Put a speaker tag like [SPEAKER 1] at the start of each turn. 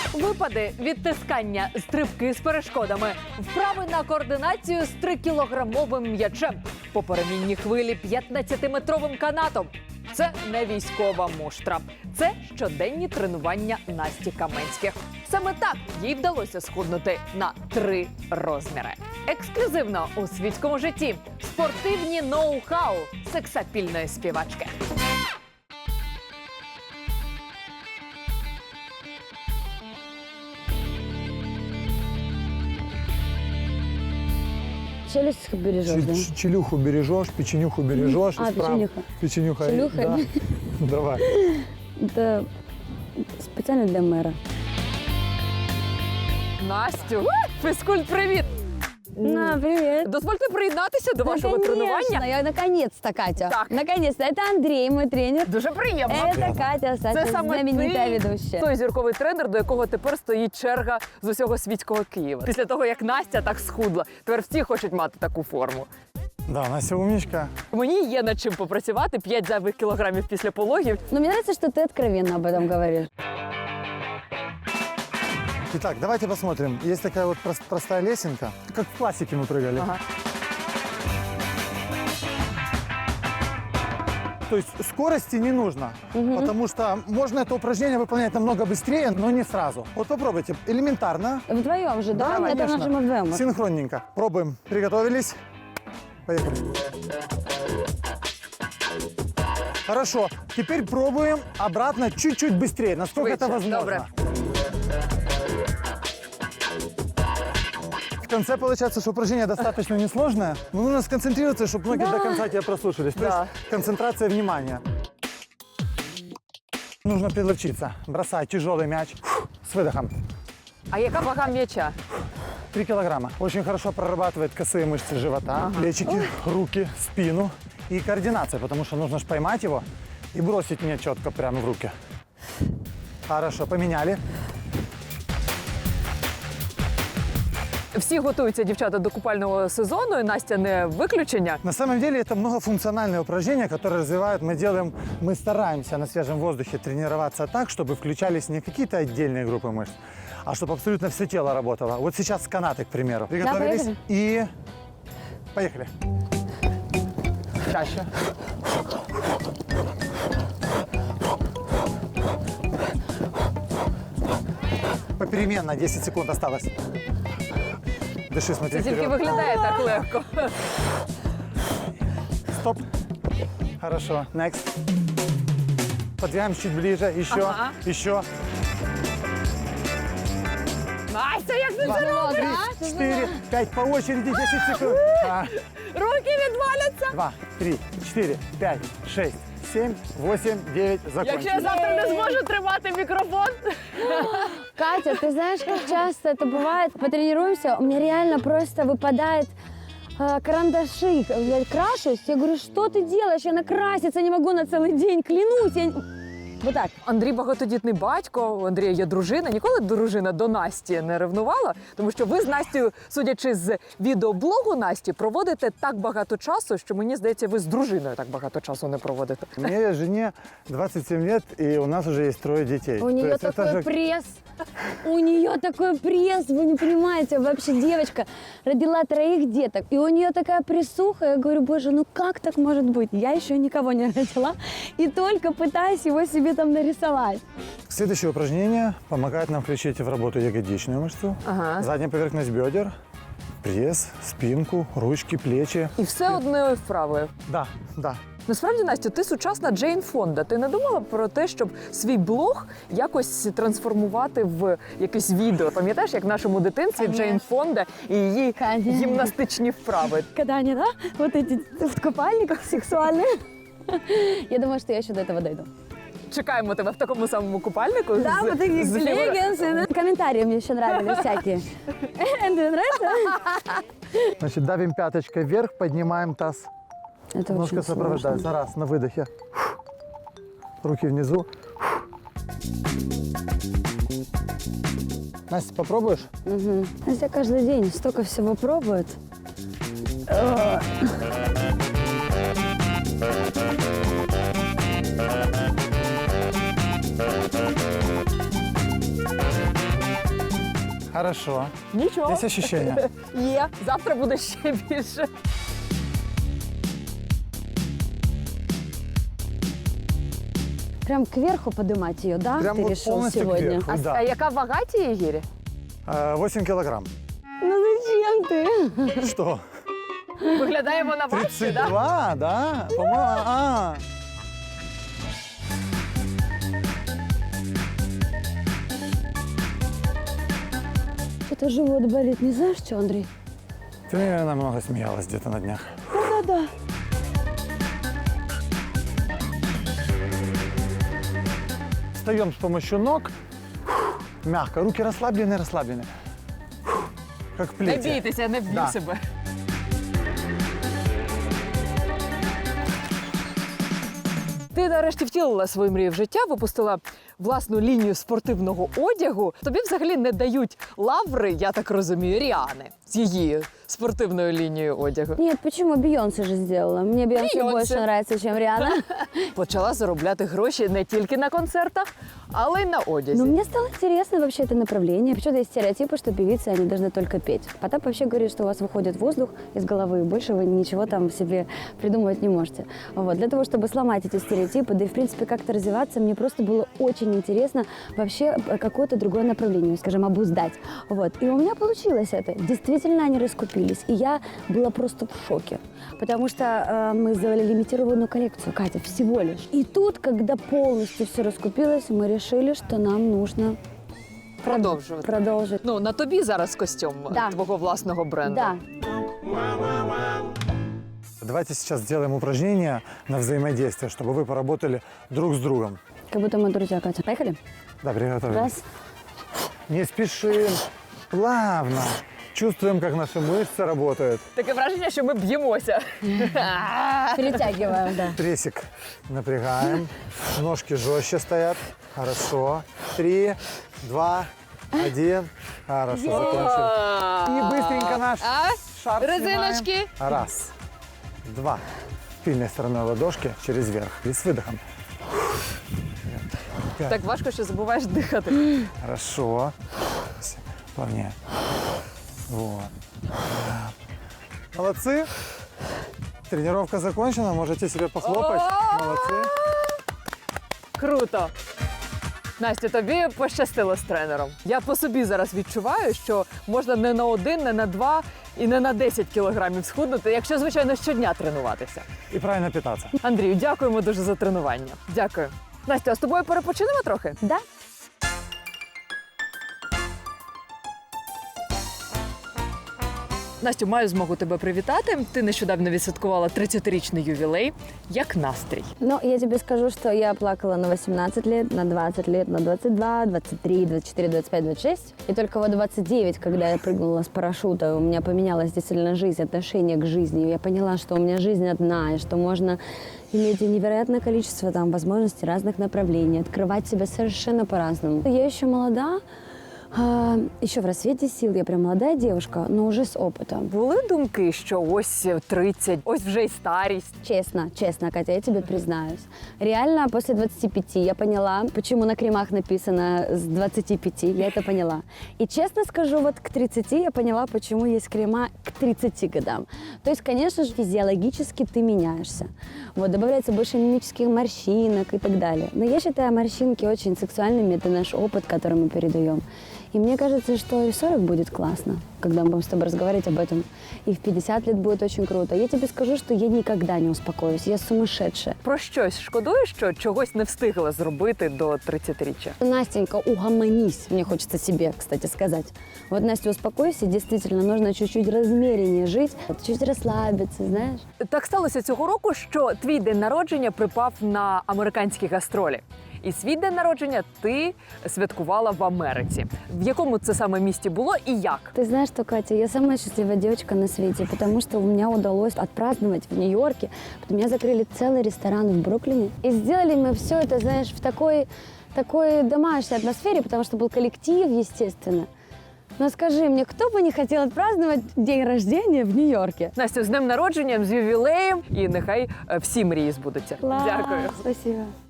[SPEAKER 1] Випади, відтискання, стрибки з перешкодами, вправи на координацію з 3-кілограмовим м'ячем, по перемінній хвилі 15-метровим канатом. Це не військова муштра. Це щоденні тренування Насті Каменських. Саме так їй вдалося схуднути на 3 розміри. Ексклюзивно у світському житті. Спортивні ноу-хау сексапільної співачки.
[SPEAKER 2] Челюсть бережешь, да?
[SPEAKER 3] Челюху бережешь, печенюху бережешь.
[SPEAKER 2] А, печенюха.
[SPEAKER 3] Печенюха.
[SPEAKER 2] Челюха.
[SPEAKER 3] Да. Давай.
[SPEAKER 2] Это специально для мэра.
[SPEAKER 1] Настю, фізкульт-привіт!
[SPEAKER 2] На, привет.
[SPEAKER 1] Дозвольте приєднатися до вашого тренування.
[SPEAKER 2] Я наконец-то, Катя.
[SPEAKER 1] Так.
[SPEAKER 2] Наконец-то. Это Андрей, мой тренер.
[SPEAKER 1] Дуже приємно.
[SPEAKER 2] Это Катя,
[SPEAKER 1] Це
[SPEAKER 2] Саша,
[SPEAKER 1] саме
[SPEAKER 2] знаменитая
[SPEAKER 1] ти,
[SPEAKER 2] ведущая.
[SPEAKER 1] той зірковий тренер, до якого тепер стоїть черга з усього світського Києва. Після того, як Настя так схудла, тепер всі хочуть мати таку форму.
[SPEAKER 3] Да, Настя умничка.
[SPEAKER 1] Мені є над чим попрацювати, 5 зайвих кілограмів після пологів.
[SPEAKER 2] Но мне нравится, что ты откровенно об этом говоришь.
[SPEAKER 3] Итак, давайте посмотрим. Есть такая вот простая лесенка. Как в классике мы прыгали.
[SPEAKER 1] Ага.
[SPEAKER 3] То есть скорости не нужно, потому что можно это упражнение выполнять намного быстрее, но не сразу. Вот попробуйте. Элементарно.
[SPEAKER 2] Вдвоем же, да? Это
[SPEAKER 3] конечно.
[SPEAKER 2] нажим вдвоем.
[SPEAKER 3] Синхронненько. Пробуем. Приготовились. Поехали. Хорошо. Теперь пробуем обратно чуть-чуть быстрее, насколько это
[SPEAKER 1] Швидше.
[SPEAKER 3] возможно.
[SPEAKER 1] Добре.
[SPEAKER 3] В конце получается, что упражнение достаточно несложное, но нужно сконцентрироваться, чтобы ноги до конца тебя прослушались. То
[SPEAKER 1] Да.
[SPEAKER 3] есть концентрация внимания. Нужно подловчиться. Бросать тяжелый мяч с выдохом.
[SPEAKER 1] А яка вага м'яча?
[SPEAKER 3] 3 килограмма. Очень хорошо прорабатывает косые мышцы живота, плечики, руки, спину и координация, потому что нужно же поймать его и бросить мне четко прямо в руки. Хорошо, поменяли.
[SPEAKER 1] Всі готуються, дівчата, до купального сезону, і Настя не виключення.
[SPEAKER 3] На самом деле это многофункциональное упражнение, которое развивает, мы стараемся на свежем воздухе тренироваться так, чтобы включались не какие-то отдельные группы мышц, а чтобы абсолютно все тело работало. Вот сейчас канаты, к примеру. Приготовились
[SPEAKER 2] поехали.
[SPEAKER 3] и поехали. Чаще. Попеременно, 10 секунд осталось. Дыши, смотри
[SPEAKER 1] Це тільки
[SPEAKER 3] вперед.
[SPEAKER 1] виглядає так легко.
[SPEAKER 3] Стоп. Хорошо. Next. Подвигаем чуть ближе. Еще.
[SPEAKER 1] Ага.
[SPEAKER 3] Еще.
[SPEAKER 1] Настя, як ти це робиш?
[SPEAKER 3] 4, 5 по очереди, 10 секунд.
[SPEAKER 1] Руки відваляться.
[SPEAKER 3] 2, 3, 4, 5, 6, 7, 8, 9.
[SPEAKER 1] Якщо я
[SPEAKER 3] Закончили.
[SPEAKER 1] завтра не зможу тримати мікрофон.
[SPEAKER 2] Катя, ты знаешь, как часто это бывает? Потренируемся, у меня реально просто выпадает карандаши. Я крашусь, я говорю, что ты делаешь? Я накраситься не могу на целый день, клянусь. Вот так.
[SPEAKER 1] Андрій багатодітний батько, у Андрія є дружина. Ніколи дружина до Насті не ревнувала, тому що ви з Настю, судячи з відеоблогу Насті, проводите так багато часу, що мені здається, ви з дружиною так багато часу не проводите.
[SPEAKER 3] Мне жене 27 лет, и у нас уже есть 3 детей.
[SPEAKER 2] У
[SPEAKER 3] То
[SPEAKER 2] нее
[SPEAKER 3] есть это
[SPEAKER 2] такой
[SPEAKER 3] же-
[SPEAKER 2] пресс. У нее такой пресс, вы не понимаете. Вообще девочка родила 3 деток. И у нее такая прессуха. Я говорю, боже, ну как так может быть? Я еще никого не родила. И только пытаюсь его себе там нарисовать.
[SPEAKER 3] Следующее упражнение помогает нам включить в работу ягодичную мышцу,
[SPEAKER 1] Ага.
[SPEAKER 3] задняя поверхность бедер, пресс, спинку, ручки, плечи.
[SPEAKER 1] І все одною вправою.
[SPEAKER 3] Да, да.
[SPEAKER 1] Насправді, Настя, ти сучасна Джейн Фонда. Ти не думала про те, щоб свій блог якось трансформувати в якесь відео? Пам'ятаєш, як в нашому дитинстві Джейн Фонда і її
[SPEAKER 2] Конечно.
[SPEAKER 1] гімнастичні вправи?
[SPEAKER 2] Когда они, да, вот эти в купальниках сексуальные. Я думаю, что я еще до этого дойду.
[SPEAKER 1] Чекаємо тебе в такому самому купальнику.
[SPEAKER 2] Да, вот такие
[SPEAKER 1] з
[SPEAKER 2] леггинсы. Комментарии мне еще нравились всякие. Тебе нравится?
[SPEAKER 3] Значит, давим пяточкой вверх, поднимаем таз.
[SPEAKER 2] Это
[SPEAKER 3] Ножка
[SPEAKER 2] очень
[SPEAKER 3] сопровождается. Раз, на выдохе. Руки внизу. Настя, попробуешь?
[SPEAKER 2] сложно. Настя каждый день столько всего пробует.
[SPEAKER 3] Хорошо.
[SPEAKER 1] Нічого.
[SPEAKER 3] Есть ощущение?
[SPEAKER 1] Є. Завтра буде ще більше.
[SPEAKER 2] Прям кверху поднимать ее, да?
[SPEAKER 3] Прям
[SPEAKER 2] Ты
[SPEAKER 3] вот
[SPEAKER 2] решил
[SPEAKER 3] полностью
[SPEAKER 2] сегодня?
[SPEAKER 3] кверху.
[SPEAKER 1] А,
[SPEAKER 3] Да.
[SPEAKER 1] а яка вага цієї гірі?
[SPEAKER 3] 8 килограмм.
[SPEAKER 2] Ну зачем ты?
[SPEAKER 3] Что?
[SPEAKER 1] Виглядає вона важче, так?
[SPEAKER 3] 32, да? По-моему,
[SPEAKER 2] Это живот болит, не знаешь что, Андрей?
[SPEAKER 3] Ты, наверное, много смеялась где-то на днях.
[SPEAKER 2] Да-да-да.
[SPEAKER 3] Встаем с помощью ног. Мягко. Руки расслаблены, расслаблены. Как в
[SPEAKER 1] Не
[SPEAKER 3] плети.
[SPEAKER 1] бійтеся, я не вб'ю
[SPEAKER 3] Да.
[SPEAKER 1] себе. Ти нарешті втілила свою мрію в життя, випустила власну лінію спортивного одягу. Тобі взагалі не дають лаври, я так розумію, Ріани з її спортивною лінією одягу.
[SPEAKER 2] Нет, почему? Бейонсе же сделала. Мне Бейонсе
[SPEAKER 1] Бейонсе.
[SPEAKER 2] больше нравится, чем Риhanna.
[SPEAKER 1] Почала заробляти гроші не тільки на концертах, але й на одязі.
[SPEAKER 2] Но мне стало интересно вообще это направление. Почему-то есть стереотипы, что певицы, они должны только петь. Потап вообще говорит, что у вас выходит воздух из головы, и больше вы ничего там себе придумывать не можете. Вот. Для того, чтобы сломать эти стереотипы, да и в принципе как-то развиваться, мне просто было очень интересно вообще какое-то другое направление, скажем, обуздать. Вот. И у меня получилось это. Действительно они раскупились. И я была просто в шоке. Потому что мы сделали лимитированную коллекцию, Катя, всего лишь. И тут, когда полностью все раскупилось, мы решили, что нам нужно
[SPEAKER 1] Продовжувати.
[SPEAKER 2] продолжить.
[SPEAKER 1] Ну, на тобі зараз костюм
[SPEAKER 2] Да.
[SPEAKER 1] твого власного бренду.
[SPEAKER 2] Да.
[SPEAKER 3] Давайте сейчас сделаем упражнение на взаимодействие, чтобы вы поработали друг с другом.
[SPEAKER 2] Как будто мы друзья, Катя. Поехали?
[SPEAKER 3] Да, приготовились.
[SPEAKER 2] Раз.
[SPEAKER 3] Не спешим, плавно. Чувствуем, как наши мышцы работают.
[SPEAKER 1] Таке враження, що ми б'ємося.
[SPEAKER 2] Перетягиваем, да.
[SPEAKER 3] Прессик напрягаем. Ножки жестче стоят. Хорошо. 3, 2, 1. Хорошо, закончили. И быстренько наш шар
[SPEAKER 1] Резиночки.
[SPEAKER 3] снимаем. Раз, два. Тыльной стороной ладошки через верх. И с выдохом. Пять.
[SPEAKER 1] Так важко, що забуваєш дихати.
[SPEAKER 3] Хорошо. Плавнее. Вот. Молодцы. Тренировка закончена. Можете себе похлопать. Молодцы.
[SPEAKER 1] Круто. Настя, тобі пощастило з тренером. Я по собі зараз відчуваю, що можна не на 1, не на 2 і не на 10 кілограмів схуднути, якщо, звичайно, щодня тренуватися.
[SPEAKER 3] И правильно питаться.
[SPEAKER 1] Андрію, дякуємо дуже за тренування. Дякую. Настя, а з тобою перепочинемо трохи?
[SPEAKER 2] Да?
[SPEAKER 1] Настю, маю змогу тебе привітати. Ти нещодавно відсвяткувала 30-річний ювілей. Як настрій?
[SPEAKER 2] Ну, я тебе скажу, что я плакала на 18 лет, на 20 лет, на 22, 23, 24, 25, 26. И только вот 29, когда я прыгнула с парашюта, у меня поменялась действительно жизнь, отношение к жизни. Я поняла, что у меня жизнь одна, и что можно иметь невероятное количество там возможностей разных направлений, открывать себя совершенно по-разному. Я еще молода, еще в рассвете сил, я прям молодая девушка, но уже с опытом.
[SPEAKER 1] Були думки, що ось 30, ось вже й старість.
[SPEAKER 2] Честно, честно, Катя, я тебе признаюсь. Реально, после 25 я поняла, почему на кремах написано с 25, я это поняла. И честно скажу, вот к 30 я поняла, почему есть крема к 30 годам. То есть, конечно же, физиологически ты меняешься. Вот, добавляется больше мимических морщинок и так далее. Но я считаю морщинки очень сексуальными, это наш опыт, который мы передаем. И мне кажется, что и в 40 будет классно, когда мы будем с тобой разговаривать об этом. И в 50 лет будет очень круто. Я тебе скажу, что я никогда не успокоюсь. Я сумасшедшая.
[SPEAKER 1] Про щось шкодуєш, що чогось не встигла зробити до 30-річчя?
[SPEAKER 2] Настенька, угомонись, мне хочется себе, кстати, сказать. Вот, Настя, успокойся, действительно, нужно чуть-чуть размереннее жить, чуть расслабиться, знаешь.
[SPEAKER 1] Так сталося цього року, що твій день народження припав на американські гастролі. І свій день народження ти святкувала в Америці. В якому це саме місті було і як?
[SPEAKER 2] Ты знаешь что, Катя, я самая счастливая девочка на свете, потому что у меня удалось отпраздновать в Нью-Йорке. Потом меня закрыли целый ресторан в Бруклине. И сделали мы все это, знаешь, в такой домашней атмосфере, потому что был коллектив, естественно. Но скажи мне, кто бы не хотел отпраздновать день рождения в Нью-Йорке?
[SPEAKER 1] Настя, з днем народженням, з ювілеєм, і нехай всі мрії збудуться.
[SPEAKER 2] Класс,
[SPEAKER 1] Дякую.
[SPEAKER 2] спасибо.